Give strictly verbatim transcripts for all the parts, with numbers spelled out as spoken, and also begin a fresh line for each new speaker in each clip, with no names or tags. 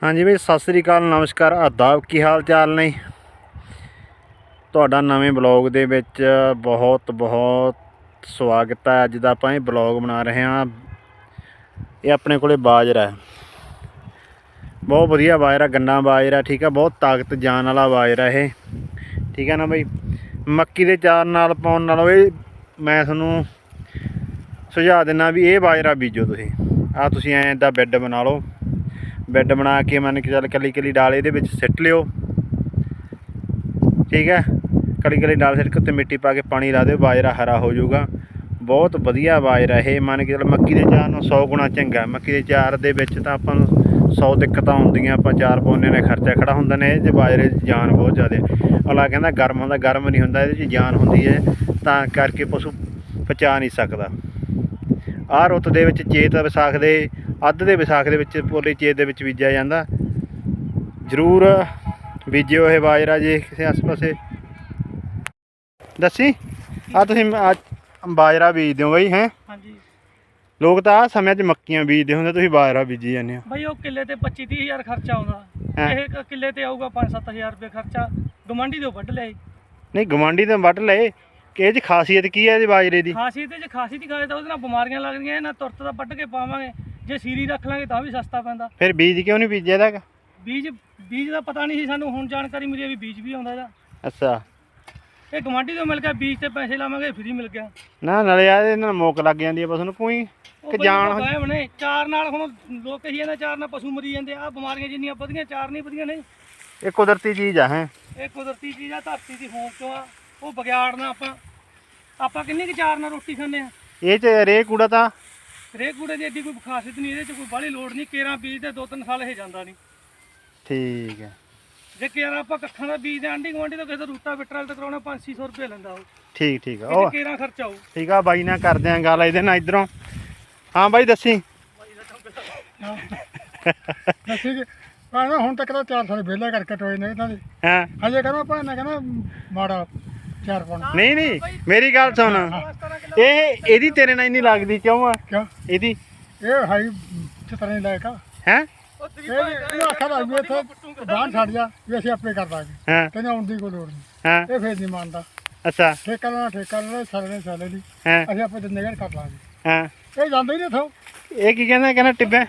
हाँ जी बई सत श्री अकाल नमस्कार आदाब की हाल चाल ने तुहाडा नवें ब्लॉग दे विच बहुत बहुत स्वागत है। अज दा आपां ब्लॉग बना रहे हैं। ये अपने कोले बाजरा है, बहुत वधिया बाजरा, गन्ना बाजरा, ठीक है, बहुत ताकत जान वाला बाजरा है, ठीक है ना बई। मक्की दे चार नाल पाउण नालों ये मैं तुहानूं सुझाव दिना भी ये बाजरा बीजो तुसीं। आ तुसीं ऐं दा बैड बना लो, बैड बना के मन के चल कली कली डाल ये सिट लियो, ठीक है, कली कली डाल सिट के उत्ते मिट्टी पा के पानी ला दो, बाजरा हरा हो जाऊगा। बहुत वधिया बाजरा है, मन के चल मक्की के चार नालों सौ गुणा चंगा। मक्की के चार दे विच तां आपां नूं सौ दिक्कतां आउंदियां, आपां चार पाउने ने खर्चा खड़ा हुंदा ने। इह बाजरे जान बहुत ज़्यादा, अगला कहंदा गर्म हुंदा, गर्म नहीं हुंदा, इहदे च जान हुंदी है, तां करके पशु पचा नहीं सकदा। आह रुੱਤ ਦੇ ਵਿੱਚ चेत विसाख ਦੇ ਅੱਧ ਦੇ ਵਿਸਾਖ ਦੇ ਵਿੱਚ ਪੋਲੀ ਚੇਤ ਦੇ ਵਿੱਚ ਬੀਜਿਆ ਜਾਂਦਾ। ਜ਼ਰੂਰ ਬੀਜਿਓ ਇਹ ਬਾਜਰਾ ਜੇ ਕਿਸੇ ਆਸ ਪਾਸੇ ਦੱਸੀ। ਆ ਤੁਸੀਂ ਬਾਜਰਾ ਬੀਜਦੇ ਹੋ ਬਈ? ਹੈ
ਹਾਂਜੀ,
ਲੋਕ ਤਾਂ ਆ ਸਮੇਂ 'ਚ ਮੱਕੀਆਂ ਬੀਜਦੇ ਹੁੰਦੇ, ਤੁਸੀਂ ਬਾਜਰਾ ਬੀਜੀ ਜਾਂਦੇ ਹੋ
ਬਈ। ਉਹ ਕਿੱਲੇ ਤੇ ਪੱਚੀ ਤੀਹ ਹਜ਼ਾਰ ਖਰਚਾ ਆਉਂਦਾ, ਇਹ ਕਿੱਲੇ ਤੇ ਆਊਗਾ ਪੰਜ ਸੱਤ ਹਜ਼ਾਰ ਰੁਪਏ ਖਰਚਾ। ਗਵਾਂਢੀ ਤੋਂ ਵੱਢ ਲਿਆਏ।
ਨਹੀਂ ਗਵਾਂਢੀ ਤੋਂ ਵੱਢ ਲਏ ਕਿ ਇਹ 'ਚ ਖਾਸੀਅਤ ਕੀ ਹੈ ਇਹਦੇ ਬਾਜਰੇ ਦੀ?
ਖਾਸੀਅਤ ਜੇ ਖਾਸੀਅਤ ਹੀ ਖਾਏ ਤਾਂ ਉਹਦੇ ਨਾਲ ਬਿਮਾਰੀਆਂ ਲੱਗਦੀਆਂ। ਇਹਨਾਂ ਤੁਰਤ ਦਾ ਵੱਢ ਕੇ ਪਾਵਾਂਗੇ, ਜੇ ਸੀਰੀ ਰੱਖ ਲਾਂਗੇ ਤਾਂ ਵੀ ਸਸਤਾ ਪੈਂਦਾ।
ਫਿਰ ਬੀਜ ਕਿਉਂ ਨਹੀਂ ਬੀਜਿਆ ਇਹਦਾ?
ਬੀਜ ਬੀਜ ਦਾ ਪਤਾ ਨਹੀਂ ਸੀ ਸਾਨੂੰ, ਹੁਣ ਜਾਣਕਾਰੀ ਮਿਲੀ ਵੀ ਬੀਜ ਵੀ ਆਉਂਦਾ ਇਹਦਾ।
ਅੱਛਾ,
ਇਹ ਗਵਾਂਢੀ ਤੋਂ ਮਿਲ ਗਿਆ, ਬੀਜ ਤੇ ਪੈਸੇ ਲਾਵਾਂਗੇ ਫ੍ਰੀ ਮਿਲ ਗਿਆ।
ਨਾ ਨਾਲੇ ਆ ਇਹਦੇ ਨਾਲ ਮੁੱਕ ਲੱਗ ਜਾਂਦੀ ਹੈ ਪਸ਼ੂ ਨੂੰ ਕੋਈ ਕਿ ਜਾਣ
ਨੇ ਚਾਰ ਨਾਲ। ਹੁਣ ਲੋਕ ਕਹੀ ਜਾਂਦੇ ਚਾਰ ਨਾਲ ਪਸ਼ੂ ਮਰੀ ਜਾਂਦੇ ਆ। ਬਿਮਾਰੀਆਂ ਜਿੰਨੀਆਂ ਵਧੀਆਂ ਚਾਰ ਨਹੀਂ ਵਧੀਆਂ ਨਹੀਂ।
ਇਹ ਕੁਦਰਤੀ ਚੀਜ਼ ਆ। ਹੈ
ਇਹ ਕੁਦਰਤੀ ਚੀਜ਼ ਆ, ਧਰਤੀ ਦੀ ਹੋਂਦ ਚੋਂ ਆ। ਉਹ ਵਿਗਿਆੜਨਾ ਆਪਾਂ ਆਪਾਂ ਕਿੰਨੀ ਕੁ ਚਾਰ ਨਾਲ ਰੋਟੀ ਖਾਂਦੇ ਆ।
ਇਹ 'ਚ ਰੇ ਕੂੜਾ ਤਾਂ
ਰੇ ਕੂੜੇ ਦੀ ਐਡੀ ਕੋਈ ਖਾਸੀਅਤ ਨਹੀਂ, ਇਹਦੇ 'ਚ ਕੋਈ ਬਾਹਲੀ ਲੋੜ ਨਹੀਂ। ਕੇਰਾਂ ਬੀਜ ਦੇ ਦੋ ਤਿੰਨ ਸਾਲ ਇਹ ਜਾਂਦਾ ਨਹੀਂ।
ਠੀਕ ਹੈ,
ਜੇ ਕੇਰਾਂ ਆਪਾਂ ਕੱਖਾਂ ਦਾ ਬੀਜ ਦੇ ਆਂਢੀ ਗੁਆਂਢੀ ਤੋਂ ਕਿਸੇ ਦਾ ਰੂਟਾ ਬਿਟਰਲ ਤੇ ਕਰਾਉਣਾ ਪੰਜ ਛੇ ਸੌ ਰੁਪਏ ਲੈਂਦਾ ਉਹ।
ਠੀਕ ਠੀਕ ਆ,
ਉਹ
ਉਹ
ਕੇਰਾਂ ਖਰਚਾ ਆਊ।
ਠੀਕ ਆ ਬਾਈ ਨਾਲ ਕਰਦੇ ਆਂ ਗੱਲ ਇਹਦੇ ਨਾਲ ਇੱਧਰੋਂ। ਹਾਂ ਬਾਈ ਦੱਸੀ।
ਦੱਸੀ ਕਿ ਭਾਵੇਂ ਹੁਣ ਤੱਕ ਤਾਂ ਚਾਰ ਸਾਲ ਵਿਹਲਾ ਕਰਕੇ ਟੋਏ ਨੇ ਇਹਨਾਂ ਦੇ।
ਹਾਂ
ਹਜੇ ਕਹਿੰਦਾ ਭਾਵੇਂ ਕਹਿੰਦਾ ਮਾੜਾ ਚਾਰ ਪਾਉਣਾ।
ਨਹੀਂ ਨਹੀਂ ਮੇਰੀ ਗੱਲ ਸੁਣ, ਇਹ ਇਹਦੀ ਤੇਰੇ ਨਾਲ ਇੰਨੀ ਲੱਗਦੀ ਕਿਉਂ ਆ?
ਕਿਉਂ?
ਇਹਦੀ
ਇਹ ਹਾਈ ਚਤਰੇ ਲਾਇਕ ਆ।
ਹੈ
ਇਹ ਇਹ ਆਖਾ ਲੱਗ ਗਿਆ ਇੱਥੇ ਬਾਹਰ ਛੱਡ ਜਾ ਵੀ ਅਸੀਂ ਆਪੇ ਕਰ ਦਾਂਗੇ।
ਹਾਂ
ਕਹਿੰਦਾ ਆਉਣ ਦੀ ਕੋਈ ਲੋੜ ਨਹੀਂ।
ਹਾਂ
ਇਹ ਫੇਰ ਨਹੀਂ ਮੰਨਦਾ।
ਅੱਛਾ
ਠੇਕਾ ਲੈਣਾ ਠੇਕਾ ਲੈਣਾ, ਸਾਰੇ ਨੇ ਸਾਲੇ ਦੀ
ਹਾਂ
ਅਸੀਂ ਆਪੇ ਦਿੰਦੇ ਕਰ ਲਾਂਗੇ।
ਹਾਂ
ਇਹ ਜਾਂਦਾ ਹੀ ਨਹੀਂ ਇੱਥੋਂ।
ਇਹ ਕੀ ਕਹਿੰਦਾ? ਕਹਿੰਦਾ ਟਿੱਬੇ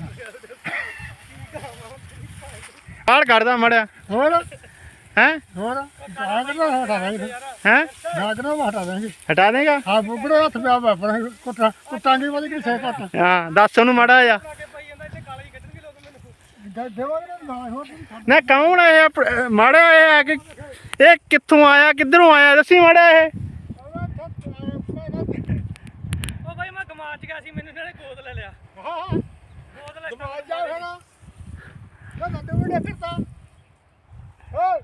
ਆੜ ਕੱਢਦਾ ਮੜਿਆ।
ਹੋਰ
ਹੈ
ਹੋਰ ਜਾਗ ਨਾ ਹਟਾ ਦਾਂਗੇ।
ਹੈ
ਜਾਗ ਨਾ ਹਟਾ ਦਾਂਗੇ।
ਹਟਾ ਦੇਗਾ?
ਹਾਂ ਬੁੱਗੜੇ ਹੱਥ ਪਿਆ ਵਾਪਰ ਕੁੱਟਾ ਕੁੱਟਾਂਗੇ ਵਾਲੀ ਕਿ ਸੇ ਕੱਟ
ਹਾਂ ਦੱਸ ਉਹਨੂੰ ਮਾੜਾ ਆ।
ਦੇਵਾਂਗੇ ਨਾ ਹੋਰ
ਨਾ ਕੌਣ ਆ ਇਹ? ਮਾੜਾ ਇਹ ਆ ਕਿ ਇਹ ਕਿੱਥੋਂ ਆਇਆ, ਕਿੱਧਰੋਂ ਆਇਆ? ਦੱਸੀ ਮਾੜਾ ਇਹ।
ਉਹ ਬਾਈ ਮੈਂ ਗਮਾਚ ਗਿਆ ਸੀ, ਮੈਨੂੰ ਇਹਨਾਂ ਨੇ ਗੋਦ ਲੈ ਲਿਆ।
ਹਾਂ
ਗੋਦ ਲੈ
ਜਾ ਹੁਣ ਨਾ ਨੰਦੇ ਉਹਨੇ ਫਿਰਦਾ।